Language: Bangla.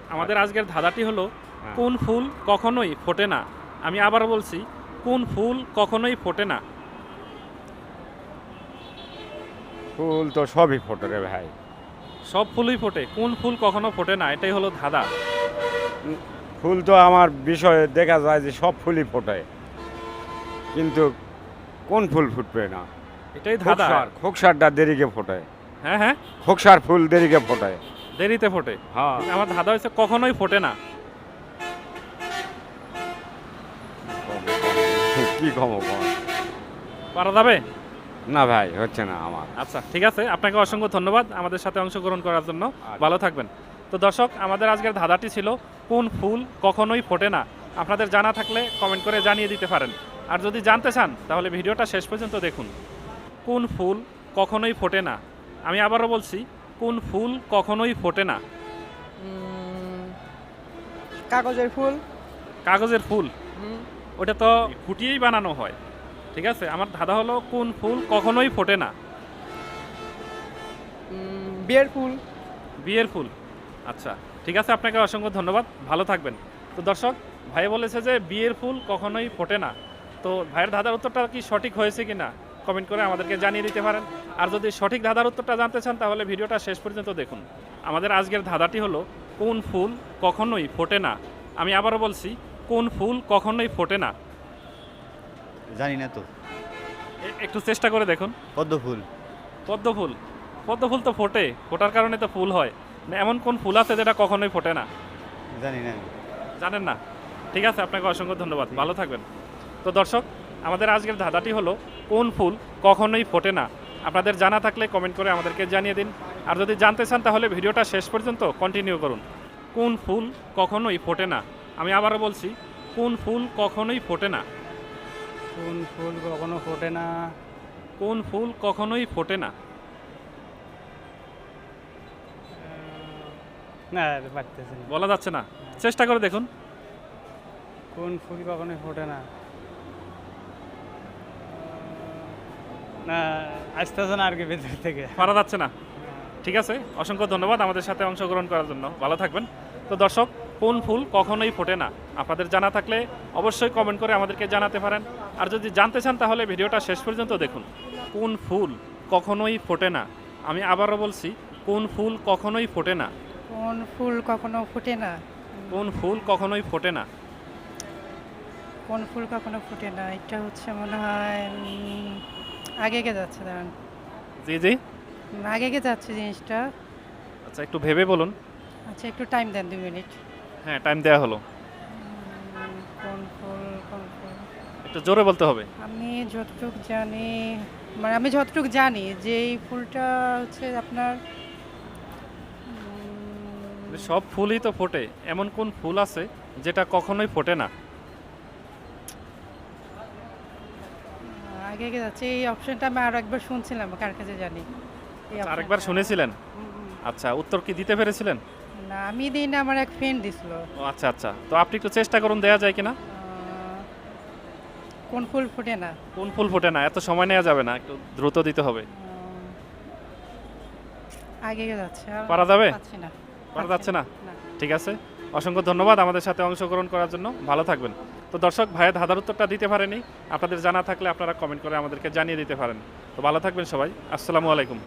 আমাদের আজকের ধাঁধাটি হলো হ্যাঁ। কোন ফুল কখনোই ফোটে না। আমি আবার বলছি, কোন ফুল কখনোই ফোটে না। ফুল তো সবই ফোটে রে ভাই। সব ফুলই ফোটে, কোন ফুল কখনো ফোটে না, এটাই হলো ধাঁধা। ফুল তো আমার বিষয়ে দেখা যায় যে সব ফুলই ফোটে, কিন্তু কোন ফুল ফুটবে না? এটাই ধাঁধা। খোকসারটা দেরিকে ফোটে। হ্যাঁ হ্যাঁ, খোকসার ফুল দেরিকে ফোটে। দেরিতে ফোটে। হ্যাঁ। আমার ধাঁধা হচ্ছে কখনোই ফোটে না। কি কম পারা যাবে? না ভাই, হচ্ছে না আমার। আচ্ছা ঠিক আছে, আপনাকে অসংখ্য ধন্যবাদ আমাদের সাথে অংশগ্রহণ করার জন্য। আচ্ছা। ভালো থাকবেন। তো দর্শক, আমাদের আজকের ধাঁধাটি ছিল কোন ফুল কখনোই ফোটে না। আপনাদের জানা থাকলে কমেন্ট করে জানিয়ে দিতে পারেন, আর যদি জানতে চান তাহলে ভিডিওটা শেষ পর্যন্ত দেখুন। কোন ফুল কখনোই ফোটে না। আমি আবারও বলছি, কোন ফুল কখনোই ফোটে না। কাগজের ফুল। কাগজের ফুল? ওটা তো ফুটিয়েই বানানো হয়। ঠিক আছে, আমার ধাঁধা হলো কোন ফুল কখনোই ফোটে না। বিয়ের ফুল। বিয়ের ফুল? আচ্ছা ঠিক আছে, আপনাকে অসংখ্য ধন্যবাদ, ভালো থাকবেন। তো দর্শক, ভাই বলেছে যে বিয়ের ফুল কখনোই ফোটে না। তো ভাইয়ের ধাঁধার উত্তরটা কি সঠিক হয়েছে কিনা কমেন্ট করে আমাদেরকে জানিয়ে দিতে পারেন। আর যদি সঠিক ধাঁধার উত্তরটা জানতে চান তাহলে ভিডিওটা শেষ পর্যন্ত দেখুন। আমাদের আজকের ধাঁধাটি হলো কোন ফুল কখনোই ফোটে না। আমি আবারও বলছি, কোন ফুল কখনোই ফোটে না। জানি না তো। একটু চেষ্টা করে দেখুন। পদ্ম ফুল। পদ্ম ফুল? পদ্ম ফুল তো ফোটে, ফোটার কারণে তো ফুল হয় না। এমন কোন ফুল আছে যেটা কখনোই ফোটে না? জানি না। জানেন না? ঠিক আছে, আপনাকে অসংখ্য ধন্যবাদ, ভালো থাকবেন। তো দর্শক, আমাদের আজকের ধাঁধাটি হলো কোন ফুল কখনোই ফোটে না। আপনাদের জানা থাকলে কমেন্ট করে আমাদেরকে জানিয়ে দিন, আর যদি জানতে চান তাহলে ভিডিওটা শেষ পর্যন্ত কন্টিনিউ করুন। কোন ফুল কখনোই ফোটে না। আমি আবারও বলছি, কোন ফুল কখনোই ফোটে না। কোন ফুল কখনো ফোটে না? কোন ফুল কখনোই ফোটে না। না, পারতেছি না। বলা যাচ্ছে না, চেষ্টা করে দেখুন। কোন ফুল কখনো ফোটে না? না, আসতেছে না আর কি ভেতর থেকে। পারা যাচ্ছে না? ঠিক আছে, অসংখ্য ধন্যবাদ আমাদের সাথে অংশগ্রহণ করার জন্য, ভালো থাকবেন। তো দর্শক, কোন ফুল কখনোই ফোটে না, আপনাদের জানা থাকলে অবশ্যই কমেন্ট করে আমাদেরকে জানাতে পারেন। আর যদি জানতে চান তাহলে ভিডিওটা শেষ পর্যন্ত দেখুন। কোন ফুল কখনোই ফোটে না। আমি আবারও বলছি, কোন ফুল কখনোই ফোটে না। কোন ফুল কখনো ফোটে না? কোন ফুল কখনোই ফোটে না। কোন ফুল কখনো ফোটে না, এটা হচ্ছে মনে হয় আগে গে যাচ্ছে, দাঁড়ান। জি জি, আগে গে যাচ্ছে জিনিসটা। আচ্ছা একটু ভেবে বলুন। আচ্ছা একটু টাইম দেন, 2 মিনিট। হ্যাঁ, টাইম দেওয়া হলো। কোন ফুল, কোন ফুল? একটু জোরে বলতে হবে। আমি যতটুকু জানি যে এই ফুলটা হচ্ছে আপনার সব ফুলই তো ফোটে, এমন কোন ফুল আছে যেটা কখনোই ফোটে না। আগে গে যাচ্ছে। এই অপশনটা আমি আরো একবার শুনছিলাম, কার কাছে জানি এই আচ্ছা, আরেকবার optionটা। শুনেছিলেন? হুম। আচ্ছা, উত্তর কি দিতে পেরেছিলেন? না, আমি দিই না, আমার এক ফ্রেন্ড দিছিল। ও আচ্ছা আচ্ছা, তো আপনি একটু চেষ্টা করুন, দেয়া যায় কিনা। কোন ফুল ফোটে না? কোন ফুল ফোটে না, এত সময় নেওয়া যাবে না, একটু দ্রুত দিতে হবে। আগে যাচ্ছে, আর পারা যাবে? পাচ্ছি না। পারা যাচ্ছে না? না। ঠিক আছে, অসংখ্য ধন্যবাদ আমাদের সাথে অংশগ্রহণ করার জন্য, ভালো থাকবেন। তো দর্শক, ভাইয়ের ধাঁধার উত্তরটা দিতে পারেনি, আপনাদের জানা থাকলে আপনারা কমেন্ট করে আমাদেরকে জানিয়ে দিতে পারেন। তো ভালো থাকবেন সবাই, আসসালামু আলাইকুম।